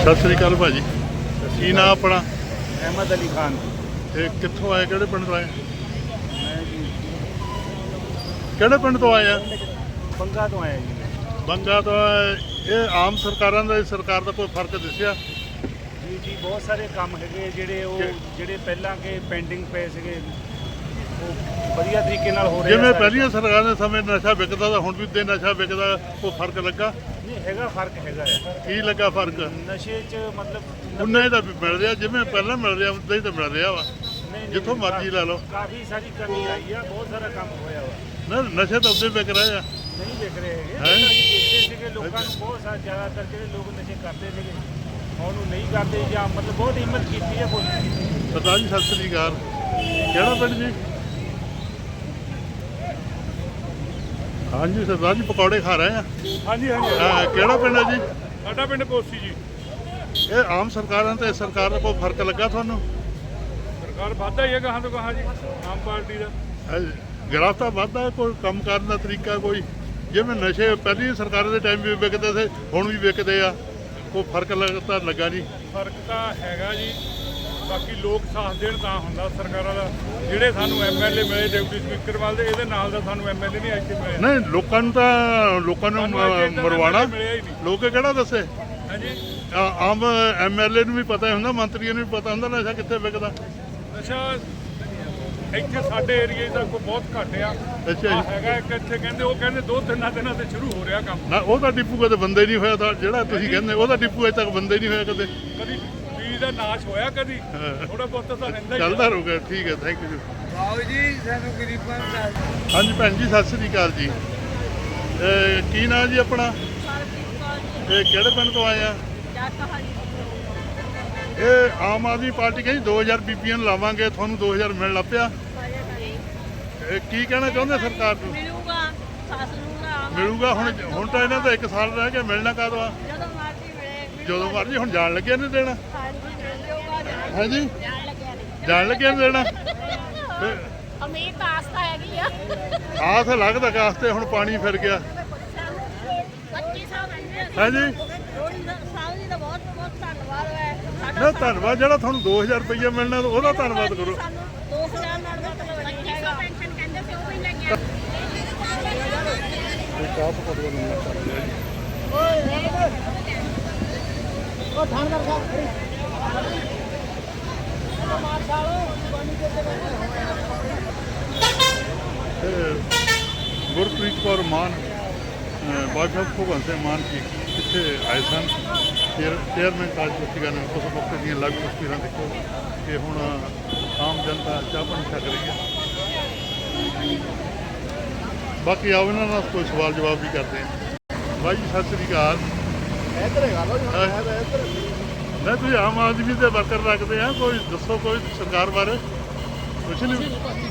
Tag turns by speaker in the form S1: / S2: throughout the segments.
S1: ਸਤਿ ਸ੍ਰੀ ਅਕਾਲ ਭਾਜੀ। ਕੀ ਨਾਂ ਆਪਣਾ?
S2: अहमद अली खान।
S1: ਤੇ ਕਿੱਥੋਂ ਆਏ, ਕਿਹੜੇ ਪਿੰਡ ਤੋਂ ਆਏ?
S2: मैं जी
S1: ਕਿਹੜੇ ਪਿੰਡ ਤੋਂ ਆਏ ਆ?
S2: बंगा तो आया जी।
S1: ਬੰਗਾ ਤੋਂ ਆਏ। ਇਹ ਆਮ ਸਰਕਾਰਾਂ ਦਾ ਸਰਕਾਰ ਦਾ ਕੋਈ ਫਰਕ ਦਿਸਿਆ?
S2: ਜੀ ਜੀ ਬਹੁਤ ਸਾਰੇ ਕੰਮ ਹੈਗੇ ਜਿਹੜੇ ਪਹਿਲਾਂ ਕੇ ਪੈਂਡਿੰਗ ਪਏ ਸੀਗੇ ਉਹ ਵਧੀਆ ਤਰੀਕੇ ਨਾਲ ਹੋ ਰਹੇ ਆ।
S1: ਜਿਵੇਂ ਪਹਿਲੀਆਂ ਸਰਕਾਰਾਂ ਦੇ ਸਮੇਂ ਨਸ਼ਾ ਵਿਕਦਾ ਤਾਂ ਹੁਣ ਵੀ ਤੇ ਨਸ਼ਾ ਵਿਕਦਾ, ਕੋਈ ਫਰਕ ਲੱਗਾ?
S2: ਨਹੀਂ ਹੈਗਾ, ਫਰਕ ਹੈਗਾ ਆ।
S1: ਕੀ ਲੱਗਾ ਫਰਕ?
S2: ਨਸ਼ੇ 'ਚ ਮਤਲਬ
S1: ਉਨਾ ਹੀ ਤਾਂ ਮਿਲ ਰਿਹਾ, ਜਿਵੇਂ ਪਹਿਲਾਂ ਮਿਲ ਰਿਹਾ ਉਦਾਂ ਹੀ ਤਾਂ ਮਿਲ ਰਿਹਾ ਵਾ, ਜਿੱਥੋਂ ਮਰਜ਼ੀ ਲੈ ਲਓ।
S2: ਕਾਫੀ ਸਾਰੀ ਕਮੀ ਆਈ ਆ, ਬਹੁਤ ਸਾਰਾ ਕੰਮ ਹੋਇਆ ਵਾ।
S1: ਨਾ ਨਸ਼ੇ ਤਾਂ ਉਦੋਂ ਵਿਕ ਰਹੇ ਆ।
S2: ਨਹੀਂ ਵਿਕ ਰਹੇ ਹੈਗੇ, ਪਹਿਲਾਂ ਅਸੀਂ ਦੇਖਦੇ ਸੀਗੇ ਲੋਕਾਂ ਨੂੰ, ਬਹੁਤ ਸਾਰਾ ਜ਼ਿਆਦਾਤਰ ਜਿਹੜੇ ਲੋਕ ਨਸ਼ੇ ਕਰਦੇ ਸੀਗੇ ਹੁਣ ਉਹ ਨਹੀਂ ਕਰਦੇ, ਜਾਂ ਮਤਲਬ ਬਹੁਤ ਹਿੰਮਤ ਕੀਤੀ ਹੈ ਪੁਲਿਸ ਨੇ।
S1: ਸਰਦਾਰ ਜੀ ਸਤਿ ਸ੍ਰੀ ਅਕਾਲ। ਕਿਹੜਾ ਪਿੰਡ ਜੀ? ਹਾਂਜੀ ਸਰਦਾਰ ਜੀ, ਪਕੌੜੇ ਖਾ ਰਹੇ ਆ।
S2: ਹਾਂਜੀ ਹਾਂਜੀ।
S1: ਕਿਹੜਾ ਪਿੰਡ ਹੈ ਜੀ?
S2: ਸਾਡਾ ਪਿੰਡ ਪੋਸੀ ਜੀ।
S1: ਇਹ ਆਮ ਸਰਕਾਰਾਂ ਤੇ ਸਰਕਾਰ ਦਾ ਕੋਈ ਫਰਕ ਲੱਗਾ ਤੁਹਾਨੂੰ?
S2: ਸਰਕਾਰ ਵਾਧਾ ਹੀ ਹੈ ਕਹਾਂ ਤੋਂ ਕਹਾਂ ਜੀ, ਆਮ ਪਾਰਟੀ ਦਾ।
S1: ਗ੍ਰਾਫਤਾ ਵੱਧਦਾ, ਕੋਈ ਕੰਮ ਕਰਨ ਦਾ ਤਰੀਕਾ, ਕੋਈ ਜਿਵੇਂ ਨਸ਼ੇ ਪਹਿਲੀ ਸਰਕਾਰ ਦੇ ਟਾਈਮ ਵੀ ਵਿਕਦੇ ਸੀ ਹੁਣ ਵੀ ਵਿਕਦੇ ਆ, ਕੋਈ ਫਰਕ ਲੱਗਦਾ ਲੱਗਾ ਨਹੀਂ?
S2: ਫਰਕ ਤਾਂ ਹੈਗਾ ਜੀ, ਬਾਕੀ ਲੋਕ ਸਾਥ ਦੇਣ ਤਾਂ ਹੁੰਦਾ ਸਰਕਾਰਾਂ ਦਾ। ਜਿਹੜੇ ਸਾਨੂੰ ਐਮਐਲਏ ਮਿਲੇ ਡਿਪਟੀ ਸਪੀਕਰ ਵੱਲ ਦੇ, ਇਹਦੇ ਨਾਲ ਦਾ ਸਾਨੂੰ ਐਮਐਲਏ ਨਹੀਂ ਇੱਥੇ ਮਿਲੇ।
S1: ਨਹੀਂ, ਲੋਕਾਂ ਨੂੰ ਮਰਵਾਣਾ ਲੋਕ ਕਿਹੜਾ ਦੱਸੇ?
S2: ਹਾਂਜੀ।
S1: ਆਮ ਐਮਐਲਏ ਨੂੰ ਵੀ ਪਤਾ ਹੁੰਦਾ, ਮੰਤਰੀਆਂ ਨੂੰ ਵੀ ਪਤਾ ਹੁੰਦਾ ਨਸ਼ਾ ਕਿੱਥੇ ਵਿਕਦਾ।
S2: ਨਸ਼ਾ ਇੱਥੇ ਸਾਡੇ ਏਰੀਏ ਦਾ ਕੋਈ ਬਹੁਤ ਘੱਟ ਆ।
S1: ਅੱਛਾ ਜੀ।
S2: ਹੈਗਾ ਇੱਕ ਇੱਥੇ ਕਹਿੰਦੇ, ਉਹ ਕਹਿੰਦੇ 2-3 ਦਿਨਾਂ ਤੇ ਸ਼ੁਰੂ ਹੋ ਰਿਹਾ ਕੰਮ।
S1: ਨਾ ਉਹਦਾ ਡਿਪੂ ਕਦੇ ਬੰਦੇ ਨਹੀਂ ਹੋਇਆ ਤਾਂ ਜਿਹੜਾ ਤੁਸੀਂ ਕਹਿੰਦੇ ਉਹਦਾ ਡਿਪੂ ਅਜੇ ਤੱਕ ਬੰਦੇ ਨਹੀਂ ਹੋਇਆ ਕਦੇ।
S2: ਕਦੀ ਬੀਜ ਦਾ ਨਾਸ਼ ਹੋਇਆ, ਕਦੀ ਥੋੜਾ ਬਹੁਤ ਤਾਂ ਰਹਿੰਦਾ ਹੀ
S1: ਚੱਲਦਾ ਰਹੂਗਾ। ਠੀਕ ਹੈ, ਥੈਂਕ ਯੂ
S3: ਬਾਬੂ ਜੀ, ਸਾਨੂੰ ਗਰੀਬਾਂ ਦਾ।
S1: ਹਾਂਜੀ ਭੈਣ ਜੀ, ਸਤਿ ਸ੍ਰੀ ਅਕਾਲ ਜੀ। ਕੀ ਨਾਂ ਜੀ ਆਪਣਾ? ਇਹ ਕਿਹੜੇ ਪਿੰਡ ਤੋਂ ਆਏ ਆ? ਇਹ ਆਮ ਆਦਮੀ ਪਾਰਟੀ ਕਹਿੰਦੀ 2000 ਬੀਬੀਆਂ ਨੂੰ ਲਾਵਾਂਗੇ, ਤੁਹਾਨੂੰ 2000 ਮਿਲਣ ਲੱਗ ਪਿਆ। ਇਹ ਕੀ ਕਹਿਣਾ ਚਾਹੁੰਦੇ ਸਰਕਾਰ ਨੂੰ? ਮਿਲੂਗਾ। ਹੁਣ ਤਾਂ ਇਹਨਾਂ ਦਾ 1 ਸਾਲ ਰਹਿ ਗਿਆ, ਮਿਲਣਾ ਕਦੋਂ ਆ? ਜਦੋਂ ਮਰਜ਼ੀ। ਹੁਣ ਜਾਣ ਲੱਗਿਆ ਨਹੀਂ ਦੇਣਾ? ਹਾਂਜੀ, ਜਾਣ ਲੱਗਿਆ ਨਹੀਂ ਦੇਣਾ।
S4: ਅਮੀਰ ਤਾਂ ਆਸ ਤਾਂ ਹੈਗੀ ਆ।
S1: ਆਸ ਲੱਗਦਾ ਕਾਸ ਤੇ ਹੁਣ ਪਾਣੀ ਫਿਰ ਗਿਆ।
S4: 25 ਸਾਲ
S1: ਹਾਂਜੀ।
S4: ਸਾਲ ਦੀ ਤਾਂ ਬਹੁਤ ਬਹੁਤ ਧੰਨਵਾਦ ਹੈ।
S1: ਨਾ ਧੰਨਵਾਦ, ਜਿਹੜਾ ਤੁਹਾਨੂੰ 2000 ਰੁਪਈਆ ਮਿਲਣਾ ਉਹਦਾ ਧੰਨਵਾਦ ਕਰੋ।
S4: 2000 ਨਾਲ ਮਤਲਬ ਨਹੀਂ ਹੈਗਾ। ਪੈਨਸ਼ਨ ਕਹਿੰਦੇ ਸੀ ਉਹ ਵੀ ਲੈ ਗਿਆ। ਉਹ ਥਾਣਦਾਰ ਸਾਹਿਬ ਖੜੀ ਮਾਰ ਸਾਲੋ ਪਾਣੀ ਦੇ
S1: ਗੁਰਪ੍ਰੀਤ ਕੌਰ ਮਾਨ, ਵਾਈਫ ਆਫ ਭਗਵੰਤ ਸਿੰਘ ਮਾਨ ਜੀ ਇੱਥੇ ਆਏ ਸਨ। ਚੇਅਰਮੈਨ ਕਾਰਜਪਾਲਿਕਾ ਨੇ ਉਸ ਮੌਕੇ ਦੀਆਂ ਲਾਈਵ ਤਸਵੀਰਾਂ ਦੇਖੋ ਕਿ ਹੁਣ ਆਮ ਜਨਤਾ ਚਾਹ ਪਾਣੀ ਛਕ ਰਹੀ ਹੈ। ਬਾਕੀ ਆਓ ਇਹਨਾਂ ਨਾਲ ਕੋਈ ਸਵਾਲ ਜਵਾਬ ਵੀ ਕਰਦੇ ਹਾਂ। ਬਾਈ ਜੀ ਸਤਿ ਸ੍ਰੀ ਅਕਾਲ। ਮੈਂ ਤੁਸੀਂ ਆਮ ਆਦਮੀ ਦੇ ਵਰਕਰ ਰੱਖਦੇ ਆ, ਕੋਈ ਦੱਸੋ ਕੋਈ ਸਰਕਾਰ ਬਾਰੇ ਕੁਛ ਨਹੀਂ?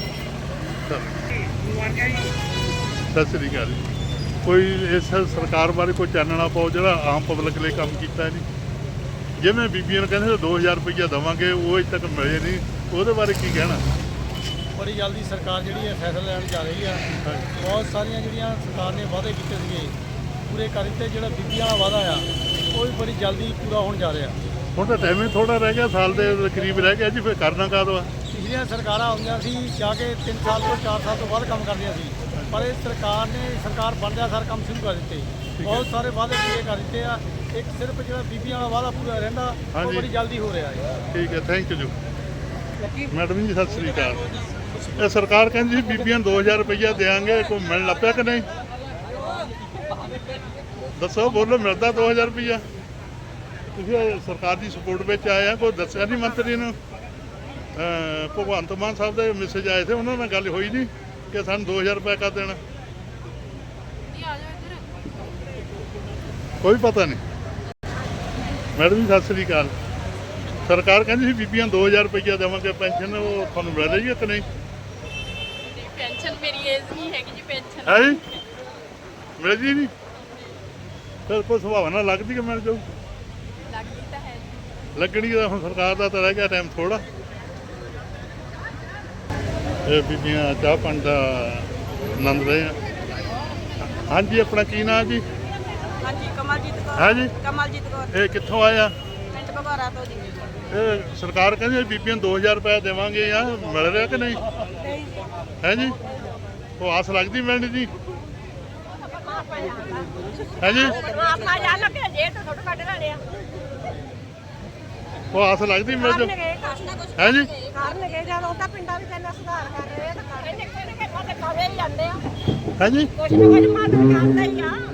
S1: ਸਤਿ ਸ੍ਰੀ ਅਕਾਲ ਜੀ। ਕੋਈ ਇਸ ਸਰਕਾਰ ਬਾਰੇ ਕੋਈ ਚਾਨਣਾ ਪਾਓ ਜਿਹੜਾ ਆਮ ਪਬਲਿਕ ਲਈ ਕੰਮ ਕੀਤਾ ਨਹੀਂ। ਜਿਵੇਂ ਬੀਬੀਆਂ ਨੂੰ ਕਹਿੰਦੇ 2000 ਰੁਪਈਆ ਦੇਵਾਂਗੇ, ਉਹ ਅਜੇ ਤੱਕ ਮਿਲੇ ਨਹੀਂ, ਉਹਦੇ ਬਾਰੇ ਕੀ ਕਹਿਣਾ?
S3: ਬੜੀ ਜਲਦੀ ਸਰਕਾਰ ਜਿਹੜੀ ਹੈ ਫੈਸਲਾ ਲੈਣ ਜਾ ਰਹੀ ਆ। ਬਹੁਤ ਸਾਰੀਆਂ ਜਿਹੜੀਆਂ ਸਰਕਾਰ ਨੇ ਵਾਅਦੇ ਕੀਤੇ ਸੀਗੇ ਪੂਰੇ ਕਰ ਦਿੱਤੇ। ਜਿਹੜਾ ਬੀਬੀਆਂ ਦਾ ਵਾਅਦਾ ਆ ਉਹ ਵੀ ਬੜੀ ਜਲਦੀ ਪੂਰਾ ਹੋਣ ਜਾ ਰਿਹਾ।
S1: ਹੁਣ ਤਾਂ ਟਾਈਮ ਹੀ ਥੋੜਾ ਰਹਿ ਗਿਆ, ਸਾਲ ਦੇ ਕਰੀਬ ਰਹਿ ਗਿਆ ਜੀ। ਫਿਰ ਕਰਨਾ ਕਾਹਦੋਂ ਆ?
S3: ਪਿਛਲੀਆਂ ਸਰਕਾਰਾਂ ਆਉਂਦੀਆਂ ਸੀ ਜਾ ਕੇ 3 ਸਾਲ ਤੋਂ 4 ਸਾਲ ਤੋਂ ਬਾਅਦ ਕੰਮ ਕਰਦੀਆਂ ਸੀ, ਪਰ ਇਹ ਸਰਕਾਰ ਬਣਦਿਆਂ ਸਾਰ ਕੰਮ ਸ਼ੁਰੂ ਕਰ ਦਿੱਤੇ। ਬਹੁਤ ਸਾਰੇ ਵਾਅਦੇ ਪੂਰੇ ਕਰ ਦਿੱਤੇ ਆ। ਇੱਕ ਸਿਰਫ ਜਿਹੜਾ ਬੀਬੀਆਂ ਵਾਲਾ ਵਾਅਦਾ ਪੂਰਾ ਰਹਿੰਦਾ ਉਹ ਬੜੀ ਜਲਦੀ ਹੋ ਰਿਹਾ ਹੈ।
S1: ਠੀਕ ਹੈ, ਥੈਂਕ ਯੂ ਮੈਡਮ ਜੀ। ਸਤਿ ਸ੍ਰੀ ਅਕਾਲ। ਇਹ ਸਰਕਾਰ ਕਹਿੰਦੀ ਸੀ ਬੀਬੀਆਂ ਨੂੰ 2000 ਰੁਪਈਆ ਦੇਵਾਂਗੇ, ਕੋਈ ਮਿਲਣ ਲੱਗ ਪਿਆ ਕਿ ਨਹੀਂ? ਦੱਸੋ, ਬੋਲੋ, ਮਿਲਦਾ 2000 ਰੁਪਈਆ? ਤੁਸੀਂ ਸਰਕਾਰ ਦੀ ਸਪੋਰਟ ਵਿੱਚ ਆਏ ਆ, ਕੋਈ ਦੱਸਿਆ ਨਹੀਂ ਮੰਤਰੀ ਨੂੰ? ਭਗਵੰਤ ਮਾਨ ਸਾਹਿਬ ਦੇ ਮੈਸੇਜ ਆਏ ਸੀ, ਉਹਨਾਂ ਨਾਲ ਗੱਲ ਹੋਈ ਨਹੀਂ ਕਿ ਸਾਨੂੰ 2000 ਰੁਪਏ ਕਰ ਦੇਣਾ? ਕੋਈ ਪਤਾ ਨਹੀਂ। ਮੈਡਮ ਜੀ ਸਤਿ ਸ੍ਰੀ ਅਕਾਲ। ਸਰਕਾਰ ਕਹਿੰਦੀ ਸੀ ਬੀਬੀਆਂ 2000 ਰੁਪਈਆ ਦੇਵਾਂਗੇ ਪੈਨਸ਼ਨ, ਉਹ ਤੁਹਾਨੂੰ ਮਿਲ ਰਹੀ ਹੈ ਕਿ ਨਹੀਂ?
S4: ਪੈਨਸ਼ਨ ਮੇਰੀ ਏਜ ਨਹੀਂ ਹੈਗੀ ਜੀ। ਪੈਨਸ਼ਨ
S1: ਹੈ ਜੀ, ਮਿਲਦੀ ਨਹੀਂ? ਫਿਰ ਕੋਈ ਸੰਭਾਵਨਾ ਲੱਗਦੀ ਕਿ ਮਿਲ ਜਾਊ?
S4: ਲੱਗਦੀ ਤਾਂ ਹੈ ਜੀ।
S1: ਲੱਗਣੀ ਤਾਂ ਹੁਣ ਸਰਕਾਰ ਦਾ ਤਾਂ ਰਹਿ ਗਿਆ ਟਾਈਮ ਥੋੜਾ। ਇਹ ਬੀਬੀਆਂ ਚਾਹ ਪਾਣੀ ਦਾ ਆਨੰਦ ਰਹੇ ਆ। ਹਾਂਜੀ, ਆਪਣਾ ਕੀ ਨਾਂ ਜੀ?
S4: ਹਾਂਜੀ, ਕਮਲਜੀਤ ਕੌਰ।
S1: ਹੈ ਜੀ।
S4: ਕਮਲਜੀਤ ਕੌਰ।
S1: ਇਹ ਕਿੱਥੋਂ ਆਏ ਆ?
S5: ਘਬਾਰਾ ਤੋਂ ਜੀ
S1: ਇਹ ਸਰਕਾਰ ਕਹਿੰਦੀ ਬੀਬੀਆਂ 2000 ਰੁਪਏ ਦੇਵਾਂਗੇ ਆ ਮਿਲ ਰਿਹਾ ਕਿ ਨਹੀਂ ਹੈ ਜੀ ਉਹ ਆਸ ਲੱਗਦੀ ਮਿਲਣੀ ਜੀ ਹੈ ਜੀ
S4: ਆਪਣਾ ਜਾ ਲੱਗੇ ਜੇ ਤਾਂ ਥੋੜਾ ਕੱਢ ਲੈਣੇ ਆ
S1: ਉਹ ਆਸ ਲੱਗਦੀ ਮਿਲ ਜਾ ਹੈ ਜੀ
S4: ਕਰਨਗੇ ਜਦ ਉਹ ਤਾਂ ਪਿੰਡਾਂ ਵਿੱਚ ਇੰਨਾ ਸੁਧਾਰ ਕਰ ਰਹੇ ਆ ਤਾਂ ਕਰਨਗੇ ਕਿਹਨੇ ਪਾਸੇ ਕਾਵੇ ਹੀ ਜਾਂਦੇ ਆ
S1: ਹੈ ਜੀ
S4: ਕੁਛ ਨਾ ਕੁਛ ਮਦਦ ਕਰਦਾ ਹੀ ਆ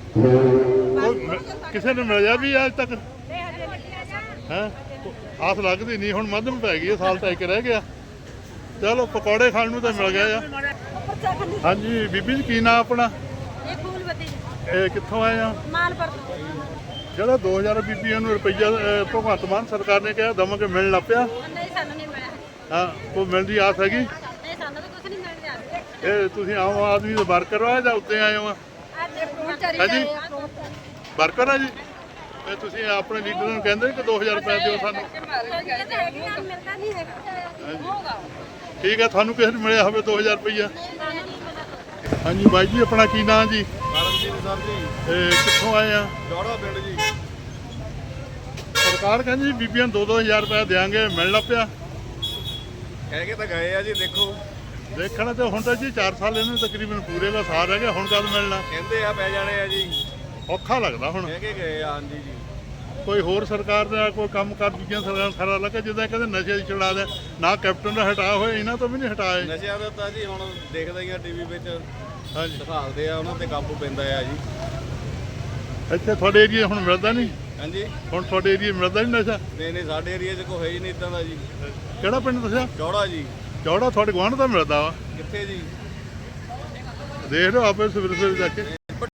S1: ਉਹ ਕਿਸੇ ਨੂੰ ਮਿਲਿਆ ਵੀ ਅੱਜ ਤੱਕ
S4: ਤੇ ਹਜੇ ਲੱਗਿਆ ਜਾ
S1: ਹੈ ਆਸ ਲੱਗਦੀ ਨਹੀਂ ਹੁਣ ਮੱਧਮ ਪੈ ਗਈ ਹੈ, ਸਾਲ ਤਾਂ ਇੱਕ ਰਹਿ ਗਿਆ ਚਲੋ ਪਕੌੜੇ ਖਾਣ ਨੂੰ ਤਾਂ ਮਿਲ ਗਿਆ ਆ ਹਾਂਜੀ ਬੀਬੀ ਜੀ ਕੀ ਨਾਂ ਆਪਣਾ
S4: ਇਹ ਫੂਲ ਬੱਤੀ
S1: ਇਹ ਕਿੱਥੋਂ ਆਏ ਆ
S4: ਮਾਲਪੁਰ
S1: ਜਿਹੜਾ 2000 ਬੀਬੀਆਂ ਨੂੰ ਰੁਪਈਆ ਭਗਵੰਤ ਮਾਨ ਸਰਕਾਰ ਨੇ ਕਿਹਾ ਦਵਾਂਗੇ ਮਿਲਣ ਲੱਗ ਪਿਆ
S4: ਨਹੀਂ ਸਾਨੂੰ ਨਹੀਂ ਮਿਲਿਆ
S1: ਹਾਂ ਕੋਈ ਮਿਲਣ ਦੀ ਆਸ ਹੈਗੀ
S4: ਨਹੀਂ ਸਾਨੂੰ ਤਾਂ ਕੁਝ ਨਹੀਂ ਮਿਲ ਰਿਹਾ
S1: ਇਹ ਤੁਸੀਂ ਆਮ ਆਦਮੀ ਦੇ ਵਰਕਰ ਹੋ ਜਾਂ ਉੱਤੇ ਆਏ ਹੋ
S4: ਅੱਜ ਫਰੂਟ ਚਰੀ
S1: ਹਾਂਜੀ ਵਰਕਰ ਆ ਜੀ ਇਹ ਤੁਸੀਂ ਆਪਣੇ ਲੀਡਰ ਨੂੰ ਕਹਿੰਦੇ ਕਿ 2000 ਰੁਪਏ ਦਿਓ ਸਾਨੂੰ
S4: ਮਿਲਦਾ ਨਹੀਂ ਹੈਗਾ
S1: ਠੀਕ ਹੈ ਤੁਹਾਨੂੰ ਕਿਸੇ ਨੂੰ ਮਿਲਿਆ ਹੋਵੇ 2000 ਰੁਪਈਆ ਹਾਂਜੀ ਬਾਈ ਜੀ ਆਪਣਾ ਕੀ ਨਾਂ ਜੀ
S6: ਕਰਮਜੀਤ ਸਰ ਜੀ
S1: ਇਹ ਕਿੱਥੋਂ ਆਏ ਆ
S6: ਜੋੜਾ ਪਿੰਡ ਜੀ
S1: ਸਰਕਾਰ ਕਹਿੰਦੀ ਜੀ ਬੀਬੀਆਂ 2-2000 ਰੁਪਏ ਦਿਆਂਗੇ ਮਿਲਣ ਲੱਗ ਪਿਆ
S6: ਕਹਿ ਕੇ ਤਾਂ ਗਏ ਆ ਜੀ ਦੇਖੋ
S1: ਦੇਖਣਾ ਤੇ ਹੁਣ ਤਾਂ ਜੀ 4 ਸਾਲ ਇਹਨੂੰ ਤਕਰੀਬਨ ਪੂਰੇ ਦਾ ਸਾਲ ਰਹਿ ਗਿਆ ਹੁਣ ਕਦ ਮਿਲਣਾ
S6: ਕਹਿੰਦੇ ਆ ਪੈ ਜਾਣੇ ਆ ਜੀ
S1: ਔਖਾ ਲੱਗਦਾ ਹੁਣ
S6: ਕਹਿ ਕੇ ਗਏ ਆ ਹਾਂਜੀ ਜੀ
S1: ਕੋਈ ਹੋਰ ਸਰਕਾਰ ਦਾ ਕੋਈ ਕੰਮ ਕਰ ਦੂਜੀਆਂ ਸਰਕਾਰਾਂ ਸਾਰਾ ਲੱਗਾ ਜਿੱਦਾਂ ਕਹਿੰਦੇ ਨਸ਼ੇ ਦੀ ਛੁਡਾ ਦੇ ਨਾ ਕੈਪਟਨ ਦਾ ਹਟਾਇਆ ਹੋਇਆ ਇਹਨਾਂ ਤੋਂ ਵੀ ਨਹੀਂ ਹਟਾਏ
S6: ਨਸ਼ਿਆਂ ਦਾ ਤਾਂ ਜੀ ਹੁਣ ਦੇਖਦਾ ਹੀ ਆ ਟੀਵੀ ਵਿੱਚ
S1: ਹਾਂਜੀ
S6: ਦਿਖਾਉਂਦੇ ਆ ਉਹਨਾਂ ਤੇ ਕਾਬੂ ਪੈਂਦਾ ਆ ਜੀ
S1: ਇੱਥੇ ਤੁਹਾਡੇ ਏਰੀਆ ਹੁਣ ਮਿਲਦਾ ਨਹੀਂ
S6: ਹਾਂਜੀ
S1: ਹੁਣ ਤੁਹਾਡੇ ਏਰੀਆ ਮਿਲਦਾ ਨਹੀਂ ਨਸ਼ਾ
S6: ਨਹੀਂ ਸਾਡੇ ਏਰੀਆ 'ਚ ਕੋਈ ਹੈ ਹੀ ਨਹੀਂ ਇਦਾਂ ਦਾ ਜੀ
S1: ਕਿਹੜਾ ਪਿੰਡ ਦੱਸਿਆ
S6: ਜੋੜਾ ਜੀ
S1: ਚੌੜਾ ਤੁਹਾਡੇ ਗੁਆਂਢ ਦਾ ਮਿਲਦਾ ਵਾ
S6: ਕਿੱਥੇ ਜੀ
S1: ਦੇਖ ਲਓ ਆਪੇ ਸਵੇਰੇ ਸਵੇਰੇ ਜਾ ਕੇ